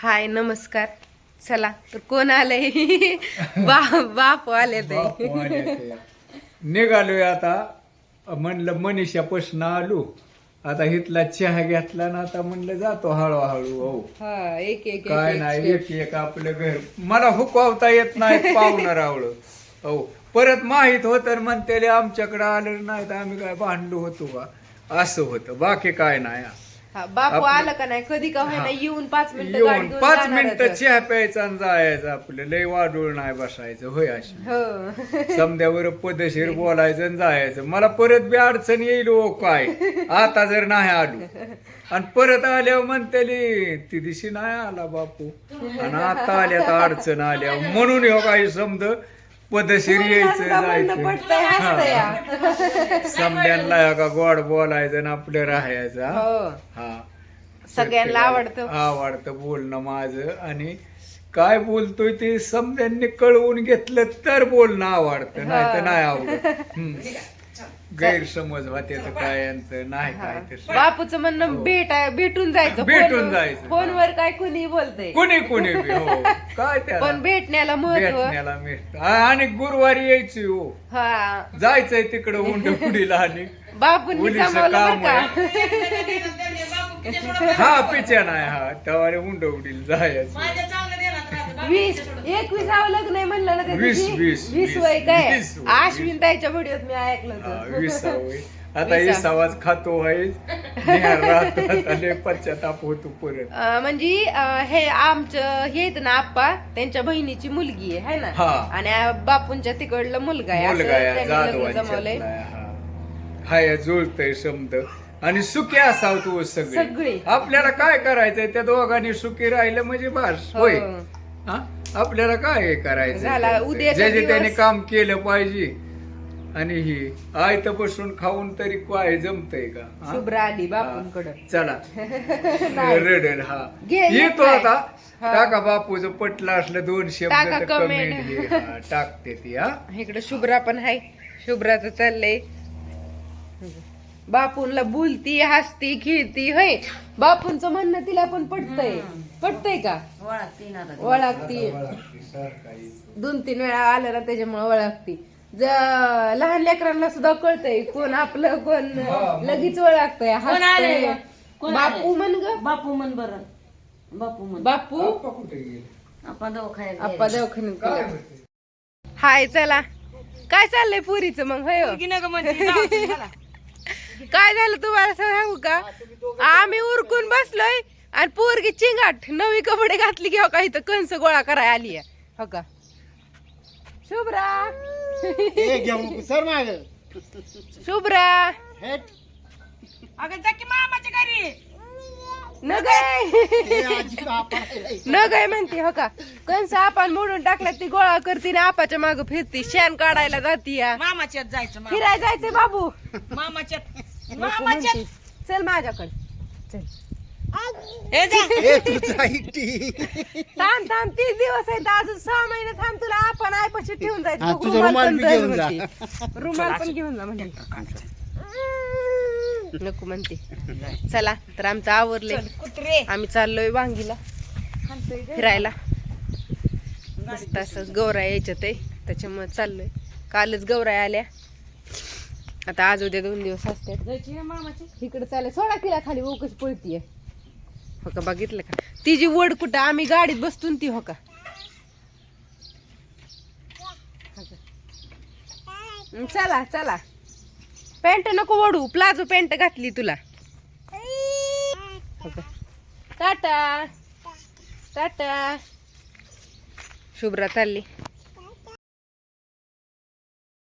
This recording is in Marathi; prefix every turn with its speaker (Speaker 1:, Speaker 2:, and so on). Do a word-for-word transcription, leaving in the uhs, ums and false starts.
Speaker 1: हाय नमस्कार. चला तर कोण आलंय? बा बाप आले ते.
Speaker 2: निघालोय आता. म्हणलं मनीषापासून आलो. आता इथला चहा घेतला ना, आता म्हणलं जातो हळूहळू. हो
Speaker 1: हा एक एक
Speaker 2: काय नाही, एक एक आपलं घर. मला हुकवता येत नाही पाहुणा रावळ. हो परत माहित होत म्हणते आमच्याकडे आलं नाही तर आम्ही काय भांडलो होतो का, असं होतं. बाकी काय नाही.
Speaker 1: हा, बापू आलं का नाही कधी का होईना येऊन पाच मिनिटं गाडी
Speaker 2: येऊन
Speaker 1: घेऊन
Speaker 2: पाच
Speaker 1: जाणारच.
Speaker 2: मिनिटं चहा प्यायचा आणि जायचं. आपलं लय वाढूळ नाही बसायचं. होय अशी
Speaker 1: हो
Speaker 2: समद्यावर पदशीर बोलायचं आणि जायचं. मला परत बी अडचण येईल हो काय, आता जर नाही आलो. आणि परत आल्यावर म्हणते ती दिवशी नाही आला बापू, आणि आता आल्या तर अडचण आल्या म्हणून हो काही समज पदशीर यायचं जायचं. समद्यांना का गोड बोलायचं आणि आपलं राहायचं.
Speaker 1: हो
Speaker 2: हा
Speaker 1: सगळ्यांना आवडतं
Speaker 2: आवडतं बोलणं माझं. आणि काय बोलतोय ते समद्यांनी कळवून घेतलं तर बोलणं आवडतं, नाही तर नाही आवडत. हम्म. गैरसमज होते तर काय यांचं नाही काय तसं.
Speaker 1: बापूचं म्हणणं भेट भेटून जायचं.
Speaker 2: भेटून
Speaker 1: फोन-
Speaker 2: जायचं.
Speaker 1: फोनवर काय कुणी बोलतय,
Speaker 2: कोणी कोणी बी. हो काय त्याला
Speaker 1: पण भेटण्याला महत्व.
Speaker 2: भेटण्याला मिळत. आणि गुरुवारी यायची हो,
Speaker 1: हा
Speaker 2: जायचंय तिकडं उंडपुडीला. आणि
Speaker 1: बापूंनी
Speaker 2: मुलीचं
Speaker 1: सांभाळलं
Speaker 2: काम
Speaker 1: बरं
Speaker 2: आहे.
Speaker 1: का?
Speaker 2: हा पिच्या नाही. हा तेव्हा उंडवडीला जायचं.
Speaker 1: वीस एकविसावं लग्न आहे म्हणलं ना त्या
Speaker 2: वीस,
Speaker 1: दिवशी?
Speaker 2: वीस,
Speaker 1: वीस
Speaker 2: वीस,
Speaker 1: वय काय
Speaker 2: वीस वय,
Speaker 1: आश्विन ताईच्या व्हिडिओत मी ऐकलं
Speaker 2: हा,
Speaker 1: होतं.
Speaker 2: विसावय. आता
Speaker 1: विसा.
Speaker 2: विसावाच खातो आहे. राहतो आता लय पश्चाताप होतो परत.
Speaker 1: अं, म्हणजे अं, हे आमचं हे आहेत ना आप्पा, त्यांच्या बहिणीची मुलगी आहे है ना,
Speaker 2: हा.
Speaker 1: आणि आ- बापूंच्या तिकडलं मुलगा आहे असं
Speaker 2: मुलगा या
Speaker 1: त्यांनी लग्न
Speaker 2: जाधवांच्यातला
Speaker 1: जमवलंय.
Speaker 2: आहे, हा. हाय जुळतय समद. आणि सुखी असाव तू
Speaker 1: सगळी.
Speaker 2: सगळी. आपल्याला काय करायचंय, त्या दोघांनी सुखी राहिलं म्हणजे बस. होय
Speaker 1: हो.
Speaker 2: हा? आपल्याला काय हे
Speaker 1: झाला,
Speaker 2: करायचं,
Speaker 1: उद्याचा
Speaker 2: जे जे
Speaker 1: दिवस-
Speaker 2: त्याने काम केलं पाहिजे. आणि ही आयत बसून खाऊन तरी काय जमतय का? हा?
Speaker 1: शुभ्रा आली बापूंकडं.
Speaker 2: चला
Speaker 1: नाही.
Speaker 2: रडेल. हा
Speaker 1: घे, घे
Speaker 2: येतो
Speaker 1: काय.
Speaker 2: आता.
Speaker 1: हा.
Speaker 2: टाका बापूचं पटलं असलं दोन
Speaker 1: टाका
Speaker 2: शब्द
Speaker 1: comment.
Speaker 2: कमेंट टाकते ती. हा
Speaker 1: इकडे शुभ्रा पण आहे. शुभ्राचं चाललंय, बापूंला बोलती हसती खेळती. होय बापूंचं म्हणणं तिला पण पटतंय. पटतंय का? ओळखती. दोन तीन वेळा आलं ना त्याच्यामुळे ओळखती. ज लहान लेकरांना सुद्धा कळतंय कोण आपलं कोण लगेच ओळखतंय. हसतंय. बापू म्हण ग.
Speaker 3: बापू म्हण बरं. बापू म्हण.
Speaker 1: बापू
Speaker 2: कुठे गेले?
Speaker 3: आपण दवाखान्यात
Speaker 1: आप्पा दवाखान्यात
Speaker 2: काय
Speaker 1: गेला.
Speaker 2: म्हणते?
Speaker 1: हाय चला. काय चाललंय पुरीचं मग? होय हो?
Speaker 3: गेलं. म्हणते जाऊ दे मला.
Speaker 1: काय झालं तुम्हाला सांगू का? आम्ही उरकून बसलोय आणि पोरगी चिंगाट नवी कपडे घातली की हो का इथं कंस गोळा करायला आली आहे. हो का शुभ्रा?
Speaker 4: सर माग
Speaker 1: शुभ्रा
Speaker 3: अगं जा की मामाच्या घरी.
Speaker 1: न गाय न गाय म्हणते. हो का कंस आपण मोडून टाकल्यात ती गोळा करते ना आपाच्या माग फिरती शेण काढायला जाती या.
Speaker 3: मामाच्यात जायचं. मामा-
Speaker 1: फिराय जायचंय बाबू.
Speaker 3: मामाच्यात
Speaker 1: नको
Speaker 3: मामाच्यात
Speaker 1: म्हणते. चल माझ्याकडे चल.
Speaker 3: हे जा.
Speaker 1: थांब थांब तीस दिवस आहेत अजून सहा महिने थांब. तुला आपण आयपाशी ठेवून जायचं.
Speaker 4: हा,
Speaker 1: बघ,
Speaker 4: तुझा
Speaker 1: रुमाल
Speaker 4: रुमाल
Speaker 1: पण
Speaker 4: बी
Speaker 1: दर
Speaker 4: घेऊन जा.
Speaker 1: होती. रुमाल पण घेऊन जा म्हणजे नको म्हणते. चला तर आमचं आवरले.
Speaker 3: कुत्रे
Speaker 1: आम्ही चाललोय वांगीला फिरायला. मस्त असं गौराय यायच्यात आहे त्याच्यामुळे चाललोय. कालच गौराय आल्या. आता आज उद्या दोन दिवस असतात.
Speaker 3: जायची ना मामाची.
Speaker 1: इकडे चाललंय. सोडा तिला खाली वो कशी पळतीये. हो का बघितलं का तिची वड कुठं आम्ही गाडीत बसतून ती. हो का हं, चला चला. पॅन्ट नको वडू. प्लाझो पॅन्ट घातली तुला. हो का टाटा टाटा. शुभ्रा चालली.